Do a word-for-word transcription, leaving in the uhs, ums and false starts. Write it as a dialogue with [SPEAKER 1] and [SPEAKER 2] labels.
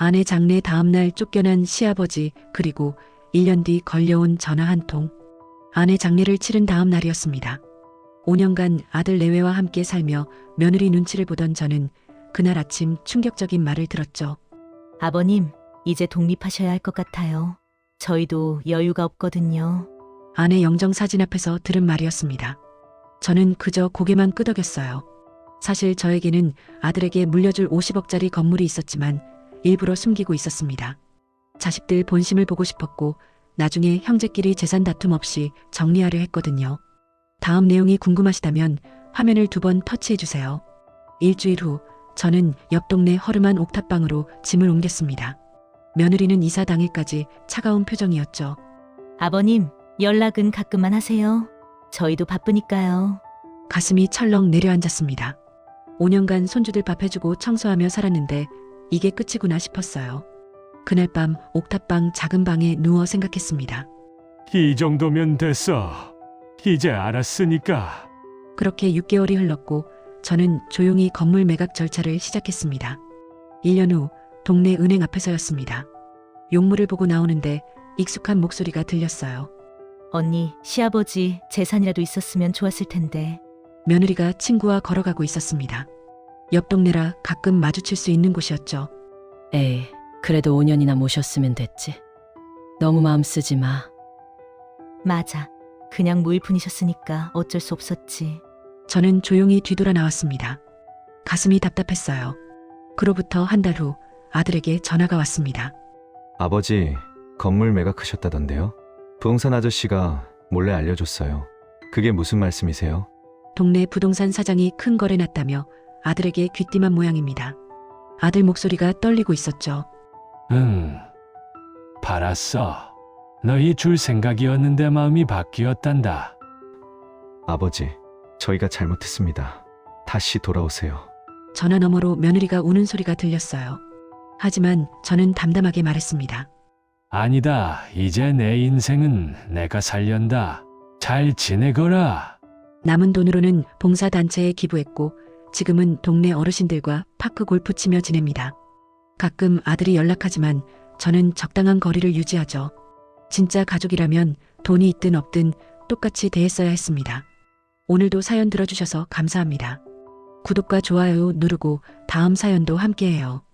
[SPEAKER 1] 아내 장례 다음날 쫓겨난 시아버지, 그리고 일 년 뒤 걸려온 전화 한 통. 아내 장례를 치른 다음 날이었습니다. 오 년간 아들 내외와 함께 살며 며느리 눈치를 보던 저는 그날 아침 충격적인 말을 들었죠.
[SPEAKER 2] 아버님, 이제 독립하셔야 할 것 같아요. 저희도 여유가 없거든요.
[SPEAKER 1] 아내 영정 사진 앞에서 들은 말이었습니다. 저는 그저 고개만 끄덕였어요. 사실 저에게는 아들에게 물려줄 오십억짜리 건물이 있었지만 일부러 숨기고 있었습니다. 자식들 본심을 보고 싶었고 나중에 형제끼리 재산 다툼 없이 정리하려 했거든요. 다음 내용이 궁금하시다면 화면을 두 번 터치해 주세요. 일주일 후 저는 옆 동네 허름한 옥탑방으로 짐을 옮겼습니다. 며느리는 이사 당일까지 차가운 표정이었죠.
[SPEAKER 2] 아버님, 연락은 가끔만 하세요. 저희도 바쁘니까요.
[SPEAKER 1] 가슴이 철렁 내려앉았습니다. 오 년간 손주들 밥 해주고 청소하며 살았는데 이게 끝이구나 싶었어요. 그날 밤 옥탑방 작은 방에 누워 생각했습니다.
[SPEAKER 3] 이 정도면 됐어. 이제 알았으니까.
[SPEAKER 1] 그렇게 육 개월이 흘렀고 저는 조용히 건물 매각 절차를 시작했습니다. 일 년 후 동네 은행 앞에서였습니다. 용물을 보고 나오는데 익숙한 목소리가 들렸어요.
[SPEAKER 2] 언니, 시아버지 재산이라도 있었으면 좋았을 텐데.
[SPEAKER 1] 며느리가 친구와 걸어가고 있었습니다. 옆 동네라 가끔 마주칠 수 있는 곳이었죠.
[SPEAKER 4] 에이, 그래도 오 년이나 모셨으면 됐지. 너무 마음 쓰지 마.
[SPEAKER 2] 맞아. 그냥 무일푼이셨으니까 어쩔 수 없었지.
[SPEAKER 1] 저는 조용히 뒤돌아 나왔습니다. 가슴이 답답했어요. 그로부터 한 달 후 아들에게 전화가 왔습니다.
[SPEAKER 5] 아버지, 건물 매각하셨다던데요? 부동산 아저씨가 몰래 알려줬어요. 그게 무슨 말씀이세요?
[SPEAKER 1] 동네 부동산 사장이 큰 거래 났다며 아들에게 귀띔한 모양입니다. 아들 목소리가 떨리고 있었죠.
[SPEAKER 3] 응, 팔았어. 너희 줄 생각이었는데 마음이 바뀌었단다.
[SPEAKER 5] 아버지, 저희가 잘못했습니다. 다시 돌아오세요.
[SPEAKER 1] 전화 너머로 며느리가 우는 소리가 들렸어요. 하지만 저는 담담하게 말했습니다.
[SPEAKER 3] 아니다. 이제 내 인생은 내가 살련다. 잘 지내거라.
[SPEAKER 1] 남은 돈으로는 봉사단체에 기부했고 지금은 동네 어르신들과 파크 골프 치며 지냅니다. 가끔 아들이 연락하지만 저는 적당한 거리를 유지하죠. 진짜 가족이라면 돈이 있든 없든 똑같이 대했어야 했습니다. 오늘도 사연 들어주셔서 감사합니다. 구독과 좋아요 누르고 다음 사연도 함께해요.